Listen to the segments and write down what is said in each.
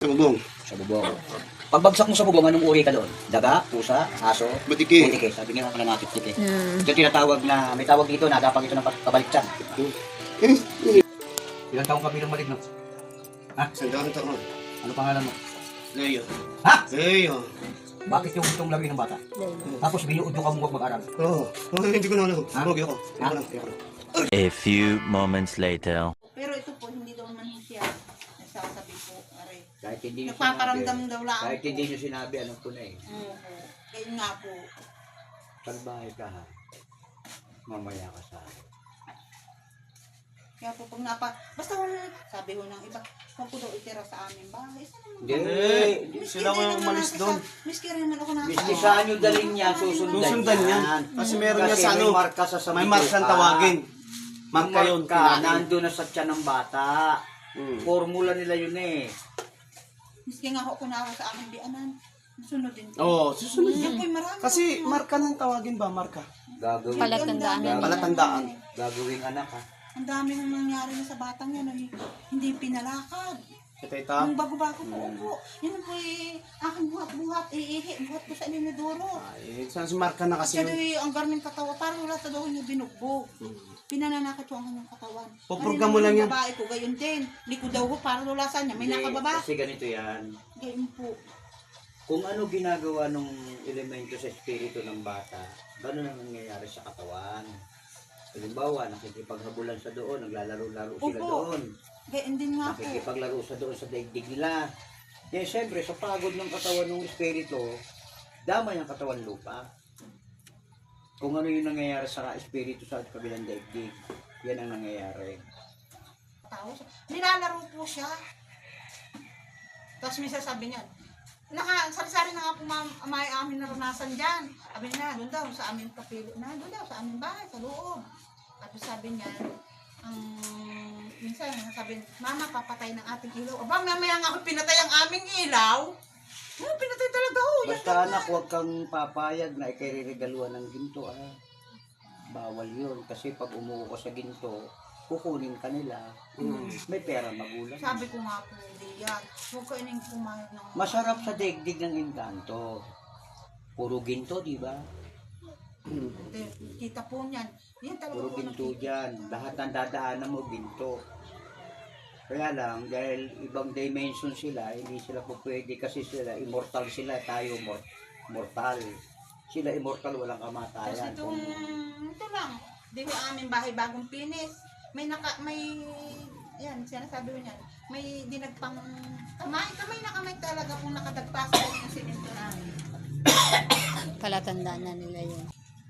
Sa bubong. Sa bubong. Pagbagsak mo sa bubong, anong uri ka doon? Daga, pusa, aso, Butiki. butike. Sabi nga ako na nakitike. Ito tinatawag na, may tawag dito, nadapag ito ng kabaliktad. Ilang taong ka bilang maligno? Ha? Sandaan taon. Ano pangalan mo? Leo. Ha? Leo. Bakit yung itong lawin ng bata? Tapos binuod yung kamukha mag-aral. Oo. Oh, hindi ko na alam. Ha? Pogi ako. Ha? Ayoko lang. A few moments later. Pero ito po, hindi daw man siya nagsasabi po. Aray. Kahit hindi nyo Nagpaparamdam sinabi, daw lang kahit po. hindi nyo sinabi, alam ko na eh. Oo. Kaya nga po. Salbahe ka ha. Mamaya ka sa akin. Kaya po pag basta kung sabi ho ng iba, kung po daw itira sa aming bahay. Hindi. Sila ko yung umalis doon. Miski rin naman ako Miski saan nyo dalhin yan, susundan Susundan yan. Kasi meron niya sa ano. may marka sa May markang tawagin. Marka yun. Marka, nandun na sa tiyan ng bata. Hmm. Formula nila yun eh. Miski nga ako kunara sa aking bianan. Sunod din. Oo, susunod Yan yan. po'y marami. Kasi marka ng tawagin ba? Marka. Gagawin. Palatandaan na. Palatandaan. Gagawing anak ha. Ang dami nang nangyari na sa batang yan. Hindi pinalakad. Ito ito. Yung bago-bago po po. Yan po aking buhat-buhat. Iihi. Buhat ko sa ilinidoro. Ay, saan si marka na kasi Siya yun. daw ang garmin katawan. Parang wala sa daw niya binugbog. Pinananakit ko ang kanyang katawan. Puprogram mo lang yan. Ang babae ko, gayon din. Liko daw ko, parang wala sa niya. May nakababa. Kasi ganito yan. Gayon po. Kung ano ginagawa ng elemento sa espiritu ng bata, gano'n ang nangyayari sa katawan. Halimbawa, nakikipaghabulan sa doon, naglalaro-laro sila Opo. doon. Gayon din nga po. Nakikipaglaro sa doon sa daigdig nila. Yan, siyempre, sa pagod ng katawan ng espiritu, damay ang katawan lupa. Kung ano yung nangyayari sa espiritu sa kabilang daigdig, yan ang nangyayari. Tao siya. Nilalaro po siya. Tapos may sasabi niya, sari-sari na nga po may amin naranasan dyan. Sabi niya, doon daw sa aming kapilo na, doon daw sa aming bahay, sa loob. Tapos sabi niya, minsan sabi, Mama, papatay ng ating ilaw. Aba, mamaya nga ako pinatay ang aming ilaw. Pinatay talaga ho. Basta anak, huwag kang papayag na ikariregaluhan ng ginto. Ah. Bawal yun. Kasi pag umuwi ka sa ginto, kukunin ka nila. May pera magulang. Sabi ko nga po, hindi yan. Huwag ka ining pumayag ng... Masarap sa daigdig ng engkanto. Puro ginto, di ba? Hindi, kita po niyan. Yan talaga Puro po ginto nakita. dyan. Lahat ng dadaanan mo, ginto. Kaya lang, dahil ibang dimension sila, hindi sila po pwede kasi sila, immortal sila, tayo mortal. Sila immortal, walang Kasi kamatayan. ito lang. Di ko aming bahay bagong pinis. May yan, sinasabi ko niyan. May dinagpang kamay na kamay talaga kung nakadagpas sa yung simento namin. Palatandaan na nila yun.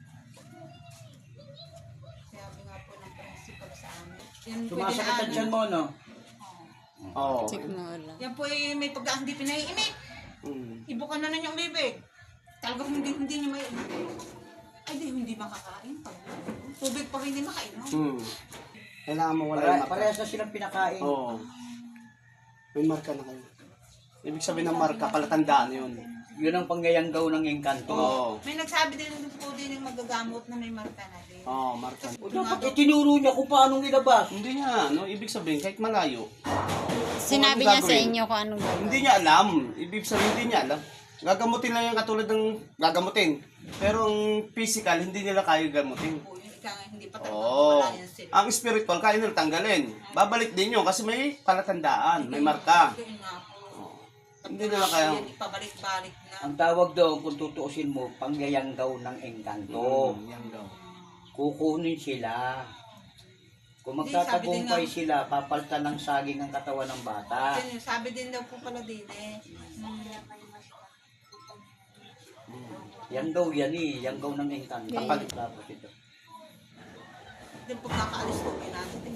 Sabi nga po ng principal sa amin. Yan po Sumasakit ang tiyan mo, no? Oo. Sigmura. Yan po may pagdaan hindi pinaiimik. Ibukan na yung bibig. Talagang hindi niya may... Ay, hindi makakain. Tubig pa hindi makainom. Kailangan mo wala yung marka. Parehas na silang pinakain. Oo. May marka na kayo. Ibig sabihin ng marka, palatandaan yun. Yun ang pangyayanggaw ng engkanto. Oo. May nagsabi din po din yung magagamot na may marka na din. Oo, marka. O dapat itinuro niya kung paano nilabas. Hindi niya, no? Ibig sabihin, kahit malayo. Sinabi Kung ano niya sa gagawin? inyo kung anong gagawin. Hindi niya alam. Ibig sabihin, hindi niya alam. Gagamutin lang yung katulad ng gagamutin. Pero ang physical, hindi nila kaya gamutin. Po, yung ika nga, hindi pa talaga Oo. wala yan sila. Ang spiritual, kaya nila tanggalin. Babalik din yun kasi may palatandaan, may marka. Yun nga po. Hindi nila kaya. Yan, ipabalik-balik na. Ang tawag doon, kung tutuusin mo, pangyayanggaw ng engkanto. Yan daw. Kukunin sila. Kung Hindi, sabi din magtatagumpay nga- sila, papalitan ng saging ang katawan ng bata. Yun, sabi din daw po pala din Yan daw yan eh, yan daw ng engkanto. Yeah. Kapalit tapos ito. Din pagkakaalis ko, may natin din.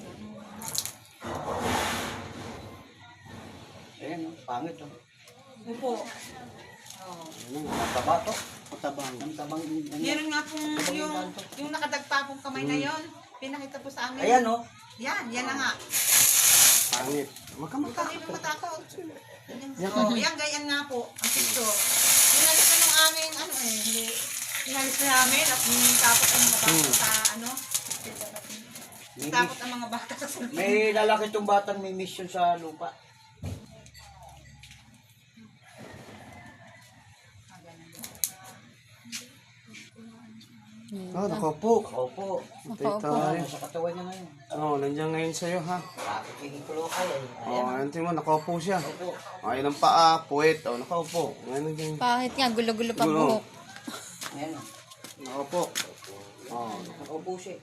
Ayan, oh, pangit oh. Upo. Oo. Ang taba to. Matabang. Ang tabang. Meron nga pong yung nakadagpa pong kamay na yon. Pinakita po sa amin. Ayan oh. Yan na nga. Pangit. Huwag ka Huwag matakot. kang matakot. Oh, yan, ganyan nga po. Ang picture. Inalis na nung aming, hindi. Inalis na namin at tapos ang mga bata sa, tapos ang mga bata sa May lalaki itong batang may mission sa lupa. Oh, nakaupo. Opo. Tayo Nakaupo. tayo. Sa katawan niya ngayon. Oh, nandiyan ngayon sa'yo ha. Bakit hindi ko kaya? Oh, ayun tingnan mo, nakaupo siya. Opo. Ayun ang paa, puwet. Oh, nakaupo. Ngayon nandiyan. Bakit nga, gulo-gulo pa Gulo. buhok. Ayan. Nakaupo. Oh, Nakaupo siya.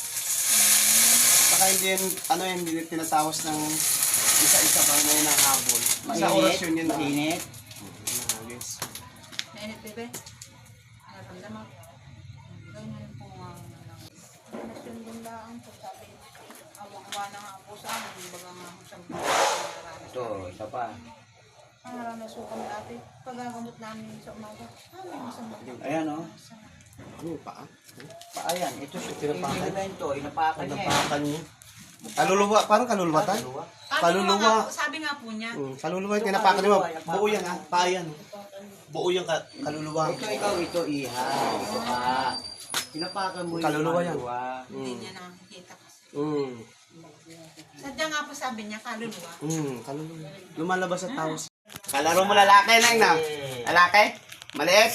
saka hindi yan, ano yan, hindi tinatawas ng isa-isa pa na yun ang habol. Sa orasyon yun na. Mainit. Yes. Nainit, bebe. Naramdaman. Ganyan po nga. Nasundin lang po sabi. Awang-awa na nga po sa amin. Baga nga po sa Ito, isa pa. ang naranas po kami dati. Pagagamot namin sa umaga. May masama. Ayan o. Ano yung paa? Ayan, ito siya. Tinapakan. Yung elemento, inapakan niya. Napakan niya. Kaluluwa, parang kaluluwa tayo. Kaluluwa. Sabi nga po niya. Kaluluwa yung tinapakan niya. Buo yan ha, paa yan. Buo yung kaluluwa. Ito ikaw, ito iha. Ito ka. Pinapakan mo yung Kaluluwa yan. Hindi niya nakikita kasi. Sadya nga po sabi niya, kaluluwa. Kaluluwa. Lumalabas sa tao. Kalaro mo lalaki lang na. Lalaki? Maliit?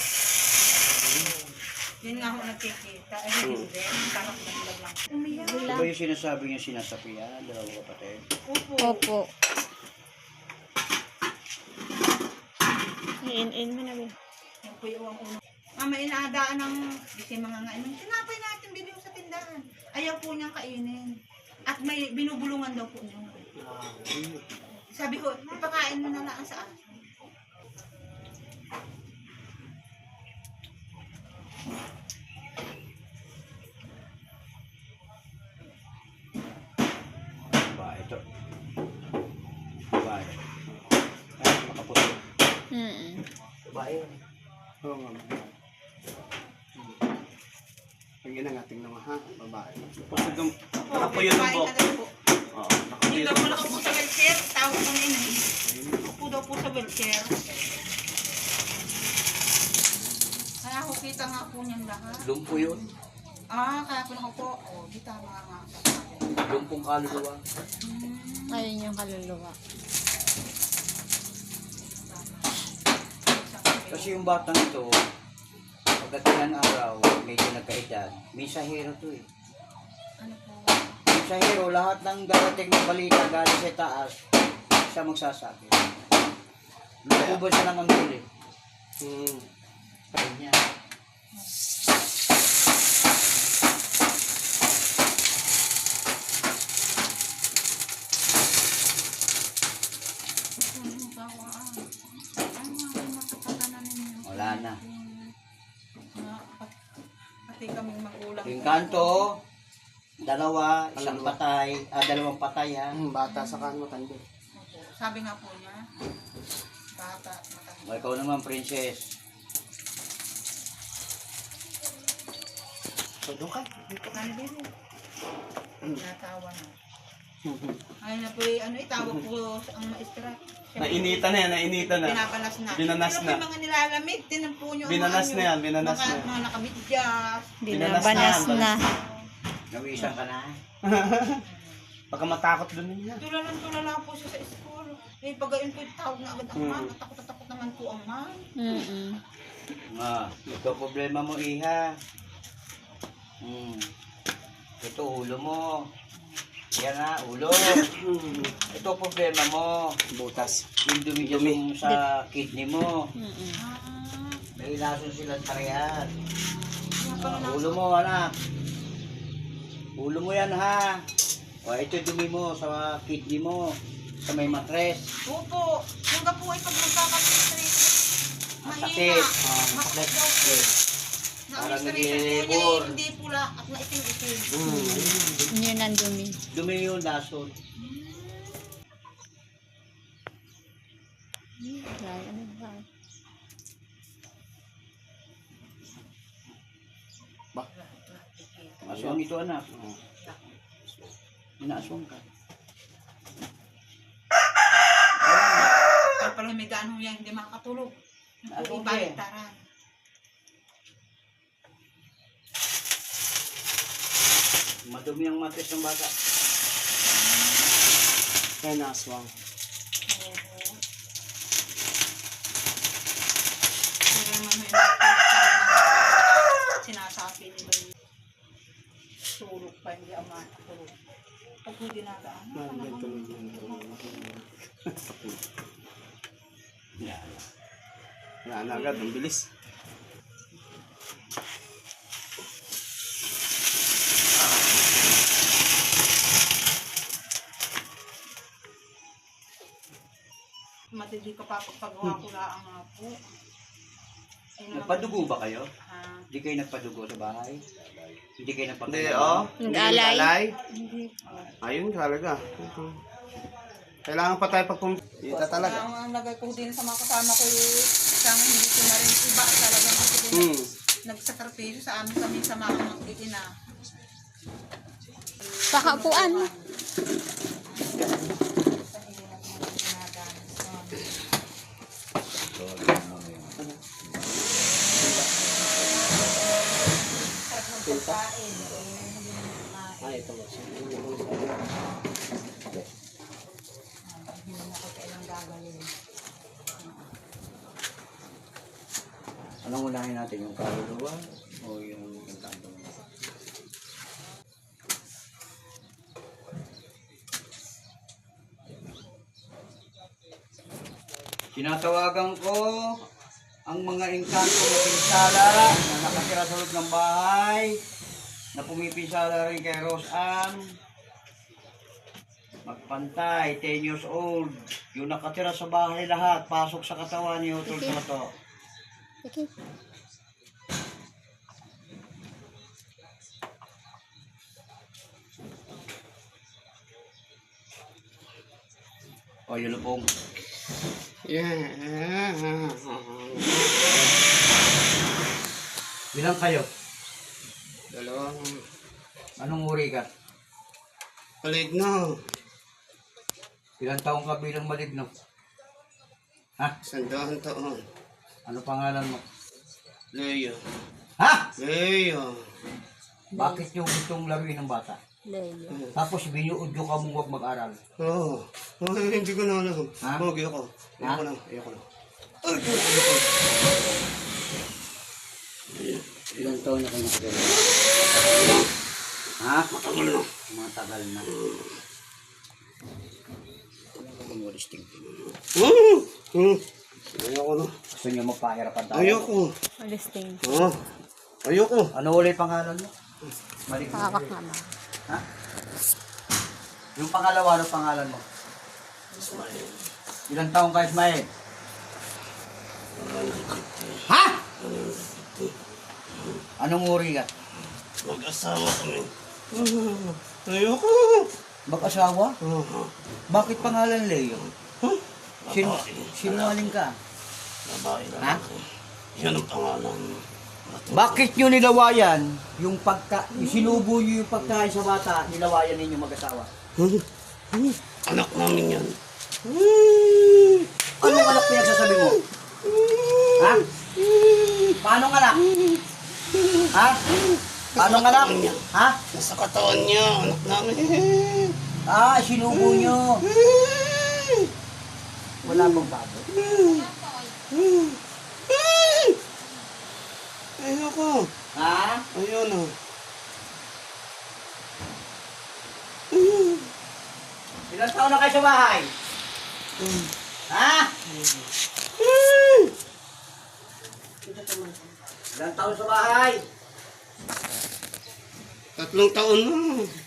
Yun nga ako nakikita. Eh, hindi. Parang naglag lang. Umiyak. Ito ba yung sinasabi niya sinasapian? Dalawang kapatid. Opo. Opo. In mo na, Bin. Yan po yung uno. Mama, inaadaan ng kasi mga ngayon. Tinapay natin bilhin sa tindahan. Ayaw po niyang kainin. At may binubulungan daw po niya. Sabi ko, ipakain mo na lang sa akin. Ba, ito. Ba, ay, nakaputo. Ba, yun. Oo nga. Pagyan ang ating naman ha, babae. Nakapuyo ng Ipakain buhok. na daw po. Oo, Hindi nakapuyo daw ng po buhok. nakaupo sa wheelchair. Tawag ko na yun. Upo daw po sa wheelchair. Kaya ako kita nga po niyan lahat. Lumpo yun. Kaya po nakaupo. Di tama nga sa akin. Lumpong kaluluwa. Ayun yung kaluluwa. Kasi yung batang ito, pagdating ng araw, medyo nagkaedad, may sahero to eh. Ano po? Yung sahero, lahat ng darating na balita galing sa taas, siya magsasabi. Lukuban siya ng anggol eh. Kanya. Wala na. Pati kaming magulang. Yung kanto, dalawang patay ha. Bata sa kanmo, tanda. Sabi nga po niya, bata, matanda. O, ikaw naman, princess. So, doon ka. Ano din eh? Natawa na. Ay na po itawag po ang maestra. Nainita na yan, nainita na. Binabalas na. Binanas Pero na. may mga nilalamig, tinampo nyo. Binanas na yan, binanas na. Mga nakamidyas. Binabanas na. Nawisan ka na. Pagka matakot doon niya. Tulala po siya sa school. Eh, pag gayon po tawag na agad ang ma'am. Takot naman po ang ma'am. Ito problema mo, iha. Ito, ulo mo. Yan na, ulo. Ito problema mo. Butas. Yung dumi dyan sa kidney mo. Ah, May lason silang tarihan. kaya pala na. Ulo mo, anak. Ulo mo yan, ha. O, ito dumi mo sa kidney mo. Sa may matres. Opo. Yung po ay pag magkakapitri. Masakit. Mahina. Masakit daw po. Parang Na-administration po niya nag-i-labor. hindi pula at maitim-itim. Yun ang dumi. Dumi yung lason. Ano ba? Aswang ito, anak. Inaaswang ka. Kaya pala may daan ho yan, hindi makakatulog. Ano Yung ba eh? baliktaran. Madumi ang matres ng bata. Kaya naswang. Pero naman ho yung sinasabi nila yun. po dinadaan. Wala na agad, ang bilis. Matindi ka pa pagpagawa ko lang nga po. Ay, naman- Nagpadugo ba kayo? Ah, Hindi kayo nagpadugo sa bahay? Hindi kayo Hindi, nagpadugo? oh. Nag-alay? hindi po. Ayun, talaga. Kailangan pa tayo Kita talaga. Ang lagay ko din sa mga kasama ko isang hindi ko na rin iba talaga kasi din nagsakripisyo sa amin kami sa mga mag-iina. Pakapuan mo. Anong unahin natin? Yung kaluluwa o yung engkanto? Tinatawagan ko ang mga engkanto na pinsala na nakatira sa loob ng bahay, na pumipinsala rin kay Rose Ann. Magpantay, 10 years old. Yung nakatira sa bahay lahat, pasok sa katawan ni Utol Soto. Okay. O, yung lupong. Bilang kayo? Dalawang Anong uri ka? maligno. Ilang taong ka bilang maligno? Ha? 100 taon. Ano pangalan mo? Leo. Ha? Leo. Bakit yung gustong laruin ng bata? Leo. Tapos binuod nyo ka mong huwag mag-aral. Oo. Oh, hindi ko na alam. Ha? Oh, ayoko. Ha? Ayoko na. Ayoko na. Ilang taon na kayo nakagano? Ha? Matagal na. Matagal na. Wala ka bang waristing? Ayoko na. Gusto nyo magpahirapan tayo? Ayoko. Listing. Oh. Ayoko. Ano ulit pangalan mo? Maligno. Pakak naman. Ha? Yung pangalawa, ano pangalan mo? Ilang taong ka, Ismael? Ha? Anong uri ka? Mag-asawa kami. Ayoko. Mag-asawa? Oh. Bakit pangalan Leo? Sinungaling ka? Babae lang. Ha? Yan ang pangalan. Bakit nyo nilawayan yung sinubo nyo yung pagkain sa bata, nilawayan ninyo mag-asawa? Anak namin yan. Anong anak pinagsasabi mo? Ha? Paano anak? Ha? Paano anak? Ha? Nasa katawan niya, anak namin. Ah, sinubo nyo. Wala bang bago? Ayoko. Ha? Ayun na. Ilang taon na kayo sa bahay? Ha? Ilang taon sa bahay? 3 taon na.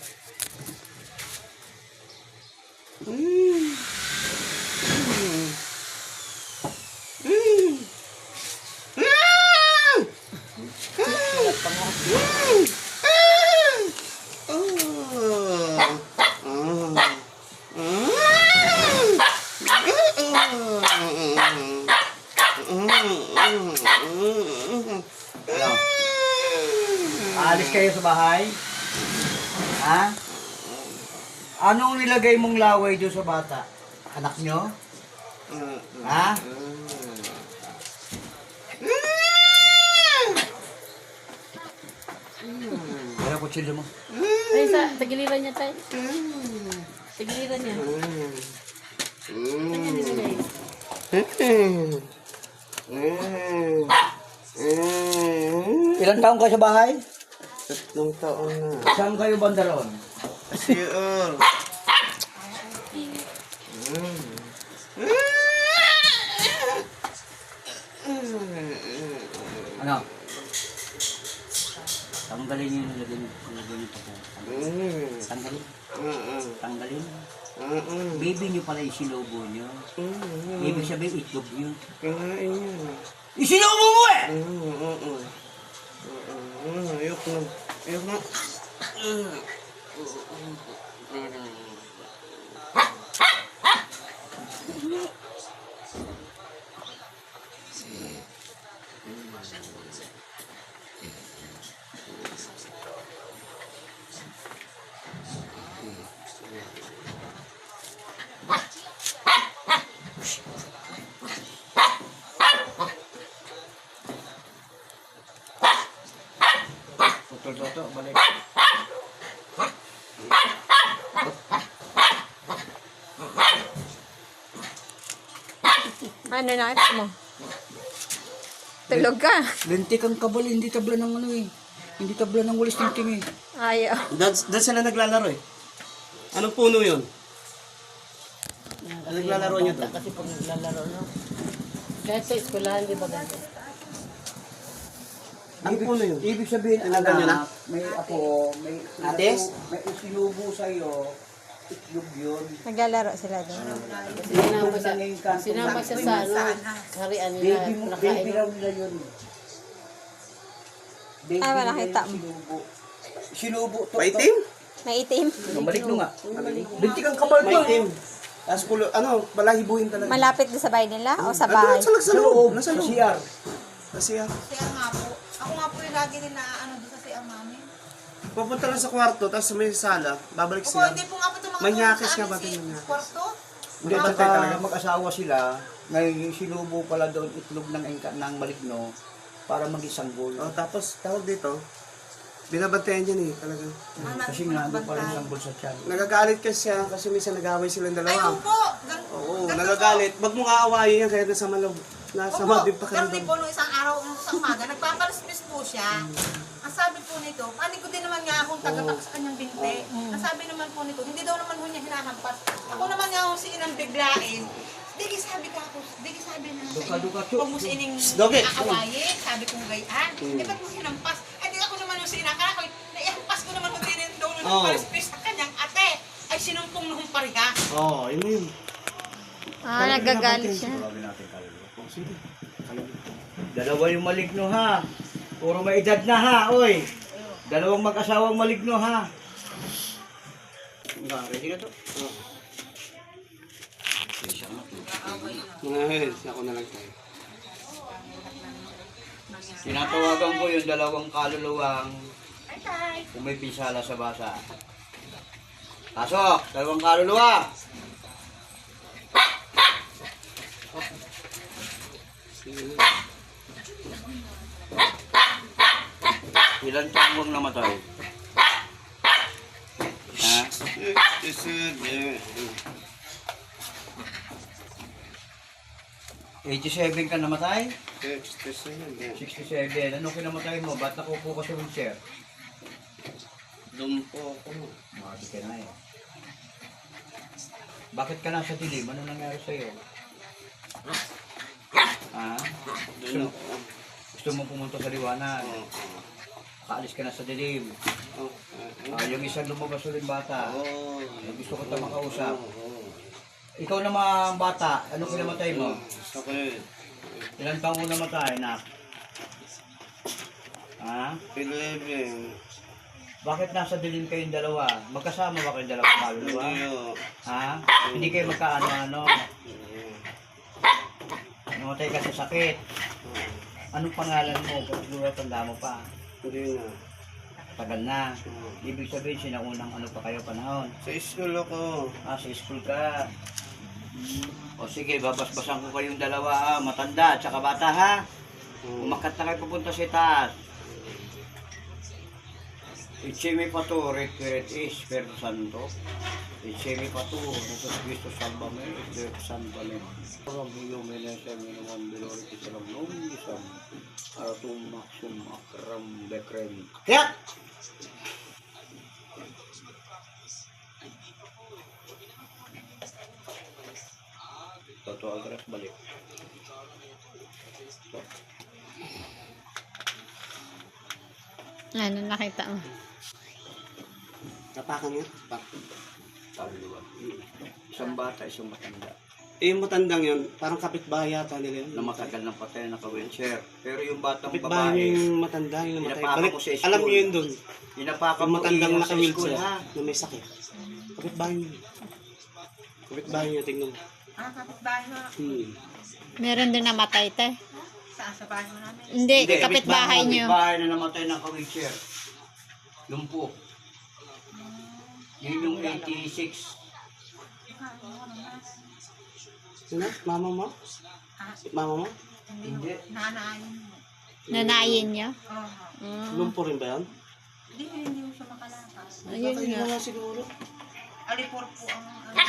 Ano? Aalis kayo sa bahay? Ha? Anong nilagay mong laway doon sa bata? Anak nyo? Ha? Kaya kutsilyo mo. Ay, sa tagiliran niya tayo. Tagiliran niya. Kanya nilagay. Ilang taong kayo sa bahay? 3 taon na. Saan kayo banda roon? CR. Ano? Tanggalin niyo yung lagyan niyo po. Tanggalin. Tanggalin. Baby niyo pala yung sinubo niyo. Ibig sabihin itlog niyo. Kinain niya. Isinubo mo eh! Ayok na. Ayok na. Toto, balik. Ano na mo? Tulog ka. Lintik ang kabal, hindi tabla ng ano eh. Hindi tabla ng walis tingting eh. Ayaw. Doon sila naglalaro eh. Anong puno yun? Ano naglalaro niyo doon? Kasi pag naglalaro, no? Kahit sa eskwelahan, di ba ganito? Anong puno yun? Ibig sabihin, Tinagal niyo na? may apo, may Ates? may isinubo sa'yo, itlog yun. Naglalaro sila doon. Sinama siya sa ano, harian nila, Baby mo, nakain. baby raw nila yun. Baby Ah, wala, nila kita yung mo. Sinubo. Sinubo to. Maitim? May itim. Balik nyo nga. Lintik ang kabal to. Maitim. Tapos balahibuhin talaga. Malapit doon sa bahay nila o sa Ano, bahay? sa loob. Nasa Sa loob. CR. Kasi Kaya nga po. Ako nga po yung lagi rin na ano doon sa CR namin. pupunta lang sa kwarto, tapos may sala, babalik Opo, sila. hindi po nga po ito mga Manyakis sa nga amin ba si din manyakis? kwarto. Hindi, Bantay baka talaga. mag-asawa sila, ngayon yung sinubo pala doon itlog ng maligno para maging sanggol. Oh, tapos, tawag dito, binabantayan niya eh, talagang. Kasi nga, doon pa rin sanggol sa tiyan. Nagagalit kasi siya, kasi minsan nag-away silang Ay, dalawa. opo. Oo, nagagalit. Wag mo aawayin yan, kaya nasa malaw. Nasa mabib pa kayo Pero di doon. po nung isang araw, nung isang umaga, nagpapalispis po siya. Ang sabi po nito, panig ko din naman nga akong tagatak sa kanyang binte. Ang sabi naman po nito, hindi daw naman po niya hinahampas. Ako naman nga akong sinang biglain. Digi sabi ka ako, digi sabi na Duka-duka, Chuk. huwag mo si ining Doge. aawayin. Sabi kong gayaan. Eh, ba't mo hinampas? Ay, di ako naman yung sinakala ko. Naihampas ko naman kung din daw nung nagpalispis sa kanyang ate. Ay, sinumpong nung pariga. Oo, yun na yun. Ah, nagagalit siya. Tawagin natin kaluluwa. Dalawa yung maligno ha. Puro may edad na ha, oy. Dalawang mag-asawang maligno ha. Ready na to? Ako na lang tayo. Tinatawagan ko yung dalawang kaluluwang pumipisala sa basa. Pasok! Dalawang kaluluwa! Ilan taong namatay? Ha? 87 ka namatay? 67. Ano kinamatay mo? Ba't nakupo ka sa wheelchair? Lumpo ako. Makati ka na eh. Bakit ka nasa dilim? Ano nangyari sa'yo? Ha? Doon ako. Gusto mo pumunta sa liwanag? Kaalis ka na sa dilim. Yung isang lumabas ulit bata. Gusto ko ito makausap. Ikaw naman bata, ano kinamatay mo? Okay. Ilan taong mo namatay, nak? Ha? 11. Bakit nasa dilim kayong dalawa? Magkasama ba kayong dalawang kaluluwa? Ha? Hindi kayo magkaano-ano? Namatay ka sa sakit. Anong pangalan mo? Pagkuluwa, tanda mo pa. Hindi na. Tagal na. Ibig sabihin, sinaunang ano pa kayo panahon. Sa school ako. Sa school ka. O sige, babasbasan ko kayong dalawa, matanda at saka bata ha. Umakat na kayo pupunta sa taas. Itsemi patu, requiret is, Espiritu Santo. Itsemi patu, Jesus Cristo salvame, Espiritu Santo amen. Orang hiyo menesa minuman bilori kisalam nung isam. Aratum maksum akram bekrem. Kaya! Toto agras balik. Ano nakita mo? Tapakan nga. Isang bata, isang matanda. Eh, yung matandang yun, parang kapitbahay yata nila yun. Na matagal ng patay na naka-wheelchair. Pero yung batang Kapitbahay babae, yung matanda, yung namatay. Pinapakan Balik, ko sa school. alam niyo yun doon. inapakan Yung mo matandang iyan sa school, naka-wheelchair ha? na may sakit. Kapitbahay niyo. Kapitbahay niyo, tingnan. Kapitbahay mo. Meron din namatay, te. Saan sa bahay mo namin? Hindi, kapitbahay nyo. Bahay na namatay ng ka-wheelchair. Lumpo. Yun yung 86. Sino? Mama mo? Mama mo? Hindi. Nanayin mo. Nanayin nyo. Oo. Lumpo rin ba yan? Hindi mo siya makalakas. Ayun nga. nga siguro. Alipor po ang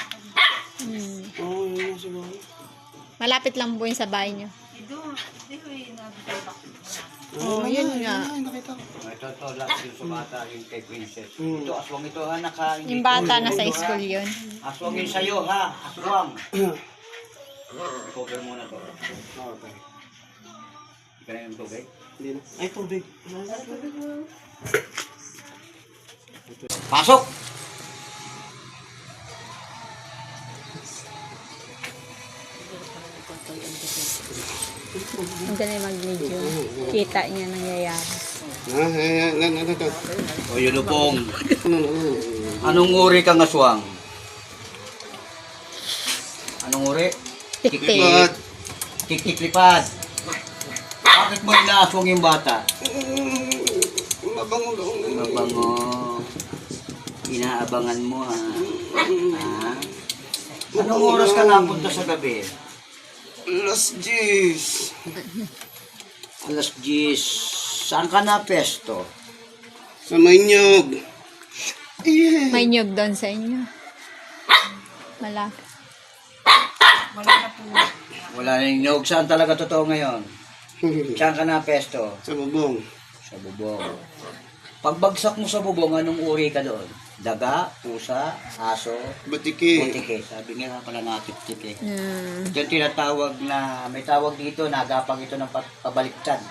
Oo, yun nga siguro. Malapit lang po yun sa bahay nyo. doon. Hindi ko yung nag-back. Oh, yun nga. Ay, nakita ko. Ito, lahat yung sa bata, yung kay Princess. Hmm. Ito, aswang ito, ha, naka... Yung bata na sa school yun. Aswang yun sa'yo, ha? Aswang. Cover muna to. Okay. Ika na yung tubig. Hindi na. Ay, tubig. Pasok! Ang galing mag-video. Kita niya nangyayari. O, yulupong. Anong uri kang aswang? Anong uri? Tik-tik. Tik-tik-lipad. Bakit mo inaaswang yung bata? Mabango daw. Mabango. Inaabangan mo, ha? Ha? Anong oras ka napunta sa gabi? Las 10. Alas 10. Saan ka na pesto? Sa Manyog. May nyug doon sa inyo. Malapit. Wala na po. Wala na yung nyog. Saan talaga totoo ngayon? Saan ka na pesto? Sa bubong. Sa bubong. Pagbagsak mo sa bubong, anong uri ka doon? Daga, pusa, aso, Batiki. butike. Sabi nga pala nakatip-tip eh. Ito yung tinatawag na, may tawag dito, nagapang ito ng pabaliktad.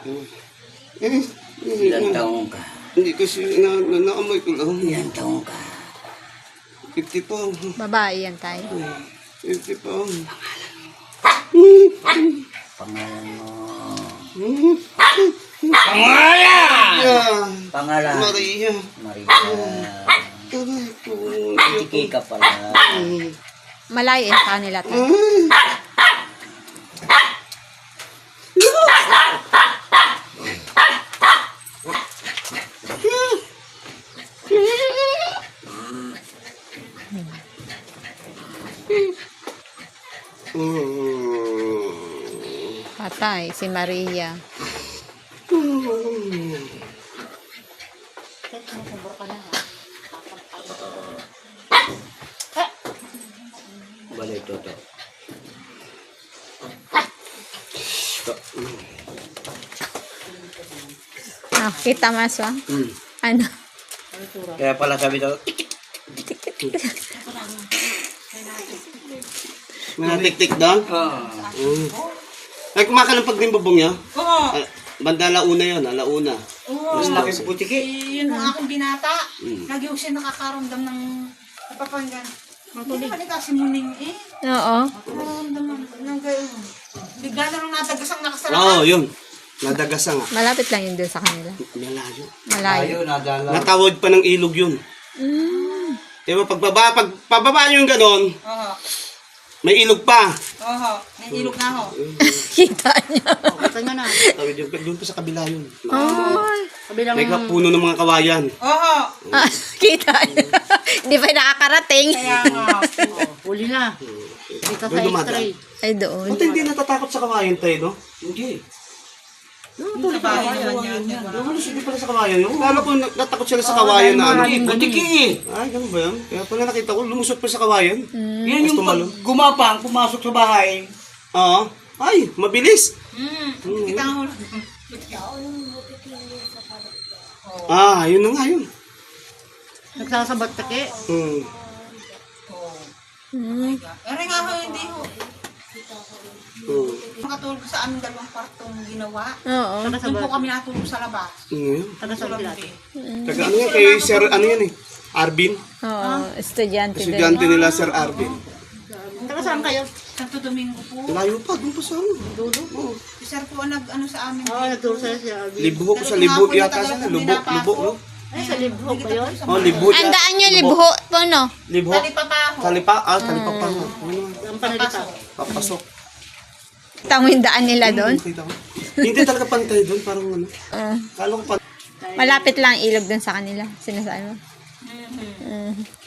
Ilang taong ka? Hindi kasi naamoy ko lang. Ilang taong ka? 50 po. Babae yan tayo. 50 po. Pangalan mo. Yeah. Pangalan? Maria. Maria. Aray ko. Tiki ka pala. Malayo yan sa kanila tayo. Patay, si Maria. Balik ito. Ah, kita mas Ano? Kaya pala sabi ito, May natik-tik doon? Ay, kumakalang din bubong niya? Oo. Banda alauna yun, alauna. Oo. mas laki sa butiki. Yun ang aking binata. Lagi ko siya nakakaramdam ng napapanggan. Hindi pa kasi muning eh. Oo. Nakaramdam ng gayon. Bigla na lang natagas ang nakasarap. Oo, yun. Nadagasa nga. Malapit lang yun doon sa kanila. Malayo. Malayo. Tayo, nadala. Natawid pa ng ilog yun. Diba, pababa nyo yung ganon, Oo. may ilog pa. Oo. May ilog na ako. Kita niya. Tawid yung, doon pa sa kabila yun. Ay. May puno ng mga kawayan. Oo. Ah, kita niya. Hindi pa nakakarating. Kaya nga. Huli na. Dito Doon sa dumadaan. X-ray. Ay, doon. Buti hindi natatakot sa kawayan tayo, no? Hindi. Sa bahay naman yan. Yung hindi pala sa kawayan yun. Lalo ko natakot sila sa kawayan na ano. Hindi, butiki. Ay, ganun ba yan? Kaya pala nakita ko, lumusot pa sa kawayan. Yan yung pag gumapang, pumasok sa bahay. Oo. Ay, mabilis. Kita nga ulo. Ah, yun na nga yun. Nagsasabat take. Ere nga ho, hindi ho. Hmm. Ang makatulog sa aming dalawang kwartong ginawa. Oo. Doon po kami natulog sa labas. Sa labi. Taga ano yan, kay Sir, ano yan eh, Arvin. Oo, estudyante din. Estudyante nila Sir Arvin. Saan kayo? Santo Domingo po. Layo pa, doon pa sa ano. Oo. Si Sir po ang nag-ano sa amin. Libo, sa libo yata sana. Lubo, no? Ay, sa Libho ba yun? Oh, libo. Ang daan niya, libho po, no? Libo. Talipa pa ako. Talipa, talipa pa nga. Papasok. Papasok. Tamo yung daan nila doon. Kita ko. Hindi talaga pantay doon, parang ano. Kala ko pantay. Malapit lang ilog doon sa kanila. Sinasabi mo. Mhm. Mm.